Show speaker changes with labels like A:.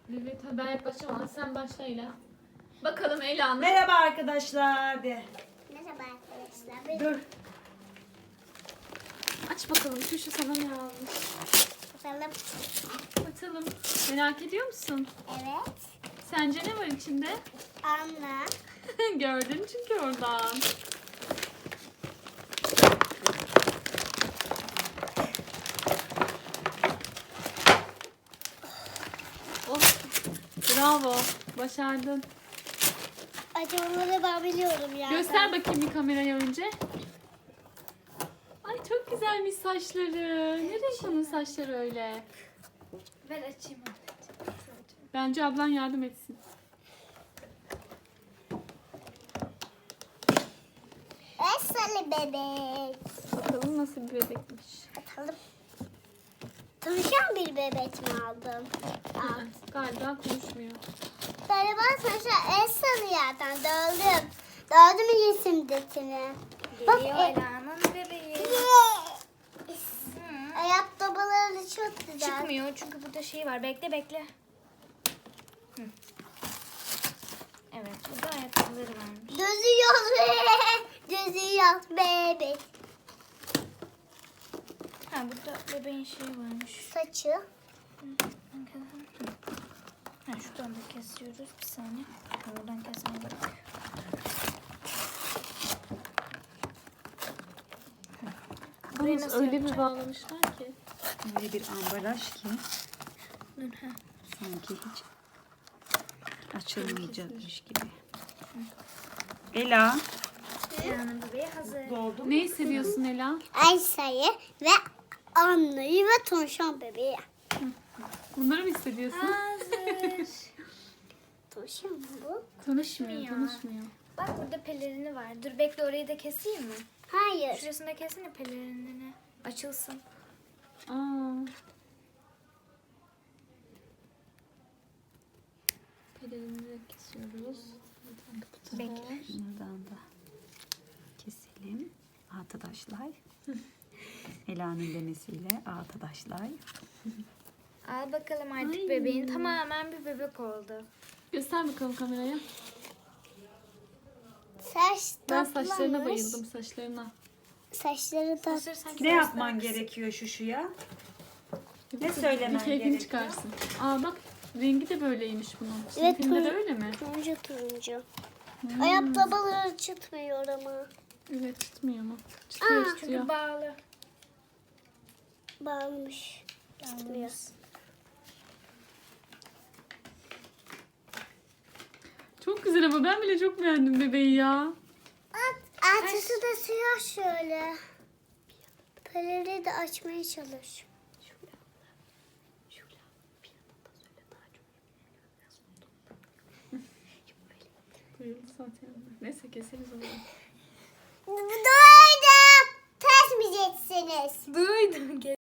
A: Evet, ben yaklaşacağım ama sen başla Ela. Bakalım Ela'nın.
B: Merhaba arkadaşlar de.
C: Merhaba arkadaşlar.
B: Dur.
A: Aç bakalım şu sana ne almış.
C: Bakalım.
A: Bakalım. Merak ediyor musun?
C: Evet.
A: Sence ne var içinde?
C: Anla.
A: Gördün çünkü oradan. Oh, bravo. Başardın.
C: Acımaları ben biliyorum ya.
A: Göster bakayım bir kameraya önce. Ay çok güzelmiş saçları. Ne renk onun saçları öyle?
C: Ben açayım.
A: Bence ablan yardım etsin.
C: Esralı bebek.
A: Bakalım nasıl bir bebekmiş.
C: Bakalım. Konuşan bir bebek mi aldım?
A: Galiba konuşmuyor.
C: Galiba sonuçta Esralı yerden döldüm. Döldüm resim detini. Bak
D: Ela'nın bebeği.
C: ayakkabıları çok güzel.
D: Çıkmıyor çünkü burada şey var. Bekle bekle. Hı. Evet burada ayakkabıları varmış.
C: Gözü yok. Gözü yok bebek.
D: Ha burada bebeğin şeyi varmış.
C: Saçı.
D: Ha şuradan da kesiyoruz. Bir saniye. Oradan kesmeye gerek. Burayı
A: Bunu
D: nasıl
A: öyle bir
D: yapacağım?
A: bağlamışlar ki.
B: Öyle bir ambalaj ki
D: Dur ha.
B: sanki hiç açılmayacakmış gibi. Ela.
D: Ela'nın bebeği hazır.
B: Doldu.
A: Ne hissediyorsun Ela?
C: Aysa'yı ve Anlı'yı ve Tonşan bebeği.
A: Bunları mı hissediyorsun?
D: Hazır.
C: Tonşan mı bu?
A: Tanışmıyor, tanışmıyor.
D: Bak burada pelerini var. Dur bekle orayı da keseyim mi?
C: Hayır.
D: Şurasını da kesene pelerinini. Açılsın.
A: Aa. Pelerini de kesiyoruz.
D: Bekle.
B: Bunlardan da keselim. Arkadaşlar. Ela'nın demesiyle arkadaşlar.
D: Al bakalım artık
A: Ay.
D: bebeğin tamamen bir bebek oldu.
A: Göster bakalım kameraya.
C: Saç
A: Ben
C: toplamış.
A: saçlarına bayıldım, saçlarına.
C: Saçları da
D: Hazır sanki
B: Ne
D: biraz
B: yapman
D: daha kısa.
B: gerekiyor şuşuya?
A: Bir
B: söylemen
A: keyfini
B: gerekiyor?
A: çıkarsın. Aa bak, rengi de böyleymiş bunun.
C: Evet,
A: Filmde de
C: tur-
A: öyle mi?
C: turuncu turuncu. Ayakkabıları çıtmıyor ama.
A: Evet, tutmuyor mu? Tutuyor, tutuyor.
D: Çünkü bağlı.
C: Bağlamış. Çıtmıyor.
A: Çok güzel ama ben bile çok beğendim bebeği ya.
C: Altısı da siyah şöyle. Peleri de açmaya çalış.
A: Bayıldı zaten. Neyse keseriz onu.
C: Duydum. Kesmeyeceksiniz.
D: Duydum.